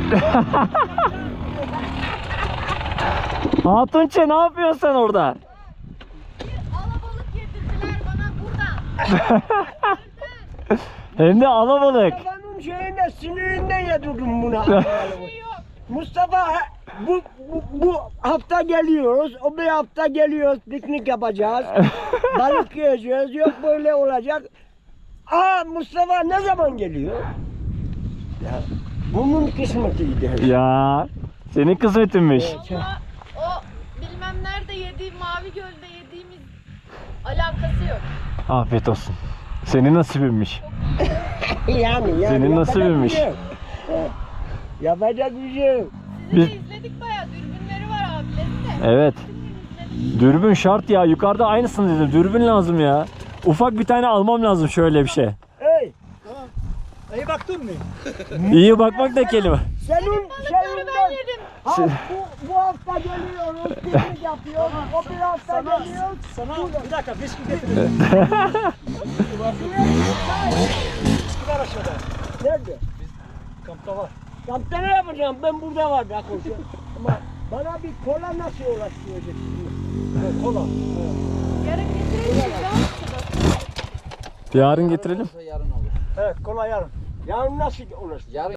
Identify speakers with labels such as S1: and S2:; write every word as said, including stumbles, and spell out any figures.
S1: Hatunçe ne yapıyorsun sen orada?
S2: Alabalık yedirdiler bana buradan.
S1: Hem de alabalık.
S3: Mustafa'nın şeyinde sinirinden yedirdim buna.
S2: Bir şey yok.
S3: Mustafa bu, bu, bu hafta geliyoruz, o bir hafta geliyoruz, piknik yapacağız, balık yiyeceğiz, yok böyle olacak. Aa Mustafa ne zaman geliyor? Ya, bunun kısmetiydi.
S1: Ya senin kısmetinmiş.
S2: Valla o bilmem nerede yediğim, Mavi Göl'de yediğimiz alakası yok.
S1: Afiyet olsun. Senin nasibinmiş.
S3: yani, yani
S1: Senin
S3: yapacak
S1: nasibinmiş.
S3: bir şey yok. Yapacak bir şey yok.
S2: Sizi
S1: Biz-
S2: de izledik bayağı, dürbünleri var abilerin de.
S1: Evet.
S2: İzledik.
S1: Dürbün şart ya. Yukarıda aynısını dedim. Dürbün lazım ya. Ufak bir tane almam lazım şöyle bir şey.
S3: Hey,
S4: İyi baktın mı?
S1: İyi bakmak da kelime.
S3: senin
S2: Balıkları ben
S3: şeyinden,
S2: yedim.
S3: ha, bu, bu hafta geliyoruz, piknik yapıyoruz, o bir hafta
S4: Sana,
S3: geliyoruz.
S4: sana bir dakika bisküvi getirdim. Bisküvi var aşağıda.
S3: Nerede?
S4: Kampta var.
S3: Kampta ne yapacağım? Ben burada var bak o şey. Ama bana bir kola nasıl ulaştıracaksın?
S4: Kola.
S2: Yarın getireyim mi?
S1: Yarın getirelim.
S5: Yarın olur.
S4: Evet kola yarın.
S3: Yarın nasıl ulaştıracağım?
S5: Yarın